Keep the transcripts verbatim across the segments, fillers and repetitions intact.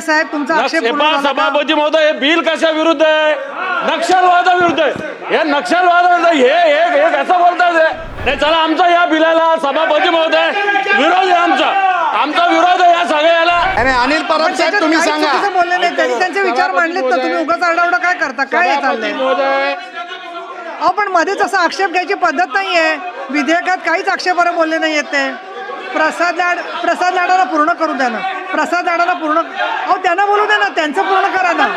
साहेब तुमचा आक्षेप पूर्ण झाला का? सभापती महोदय हे बिल कशा विरुद्ध आहे? नक्षलवादाविरुद्ध आहे. हे नक्षलवादाविरुद्ध हे हे कसं बोलतात हे? चला आमचा या बिलाला सभापती महोदय विरोध आहे. आमचा आमचा विरोध आहे या सगळ्याला. अरे अनिल परब साहेब तुम्ही सांगा. बोलले नाही त्यांनी त्यांचे विचार मांडलेत ना, तुम्ही उगाच आरडाओरडा काय करता? काय चाललंय? अहो पण मध्येच असा आक्षेप घ्यायची पद्धत नाहीये. विधेयकात काहीच आक्षेपार्ह बोलले नाहीयेत ते. प्रसाद लाड प्रसाद लाडाला पूर्ण करू द्या ना. प्रसाद लाडाला पूर्ण अहो त्यांना बोलू द्या ना, त्यांचं पूर्ण करा ना.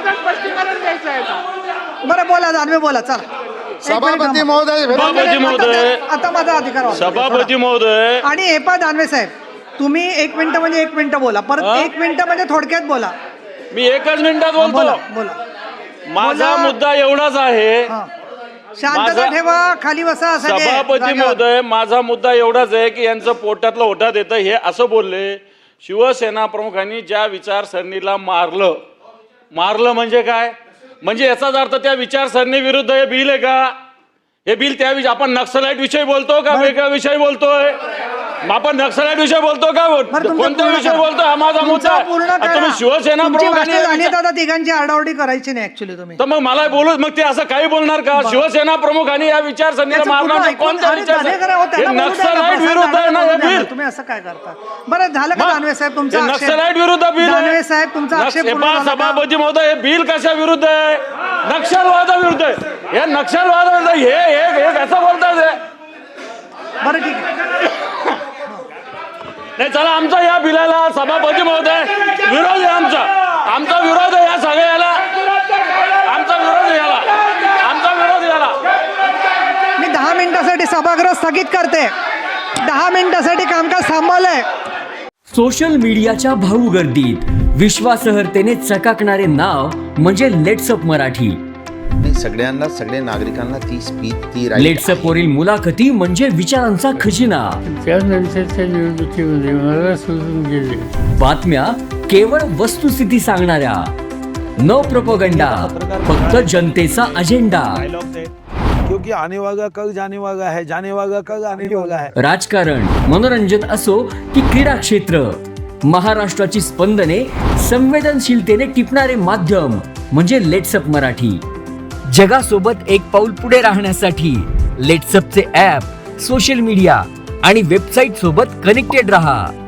बरं बोला दानवे बोला चला. सभापती महोदय सभापती महोदय आता माझा अधिकार वापरतो. सभापती महोदय आणि हे पा दानवे साहेब तुम्ही एक मिनिट म्हणजे एक मिनिट बोला, परत एक मिनिट म्हणजे थोडक्यात बोला. मी एकच मिनिटात बोलतो. बोला बोला. माझा मुद्दा एवढाच आहे. शांतता ठेवा, खाली बसा. असं नाही. सभापती महोदय माझा मुद्दा एवढाच आहे की यांचं पोटातलं ओठात येतं हे असं बोलले. शिवसेना प्रमुखांनी ज्या विचारसरणीला मारलं मारलं म्हणजे काय? म्हणजे याचाच अर्थ त्या विचारसरणी विरुद्ध हे बिल आहे का? हे बिल त्या विषयी आपण नक्सलाइट विषयी बोलतो का वेगळ्या विषयी बोलतोय? आपण नक्सलाइट विषय बोलतो का कोणत्या विषय बोलतोय? हा माझा मुद्दा. तुम्ही शिवसेना प्रमुखांनी दादा तिघांची आरडाओरडी करायची नाही ऍक्च्युली तुम्ही. तर मग मला बोलू मग ते असं काही बोलणार का? शिवसेना प्रमुखांनी या विचारसरणीला मारणार कोणत्या विचार? नक्सलाइट विरुद्ध आहे ना हे बिल. तुम्ही असं काय करता? बरं झालं का दानवे साहेब तुमचा आक्षेप? नक्सलाइट विरुद्ध बिल दानवे साहेब तुमचा आक्षेप पूर्ण झाला का? सभापती महोदय हे बिल कशा विरुद्ध आहे? नक्षलवादाविरुद्ध आहे. हे नक्षलवादाविरुद्ध हे हे कसं बोलतात हे? बरं ठीक आहे. नाही चला आमचा या बिलाला सभापती महोदय विरोध आहे. आमचा आमचा विरोध आहे या सगळ्याला. आमचा विरोध याला आमचा विरोध याला. मी दहा मिनिटासाठी सभागृह स्थगित करते. दहा मिनिटासाठी कामकाज थांबवलंय. सोशल मीडियाच्या भाऊ गर्दीत विश्वासार्हतेने चकाकणारे नाव म्हणजे लेट्सअप मराठी. सगळ्यांना सगळ्या नागरिकांना ती स्पीच ती लेट्सअप वरील मुलाखती म्हणजे विचारांचा खजिना. त्यानंतरच्या निवडणुकीमध्ये मला सोडून गेले. बातम्या केवळ वस्तुस्थिती सांगणाऱ्या, न प्रोपगंडा, फक्त जनतेचा अजेंडा. क्योंकि आने वाला कल जाने वाला है, जाने वाला कल आने वाला है. राजकारण, मनोरंजन असो की क्रीडा क्षेत्र, महाराष्ट्राची स्पंदने संवेदनशीलतेने टिपणारे माध्यम म्हणजे लेट्सअप मराठी. जगासोबत एक पाऊल पुढे राहण्यासाठी लेट्सअपचे ॲप, सोशल मीडिया आणि वेबसाईट सोबत कनेक्टेड रहा.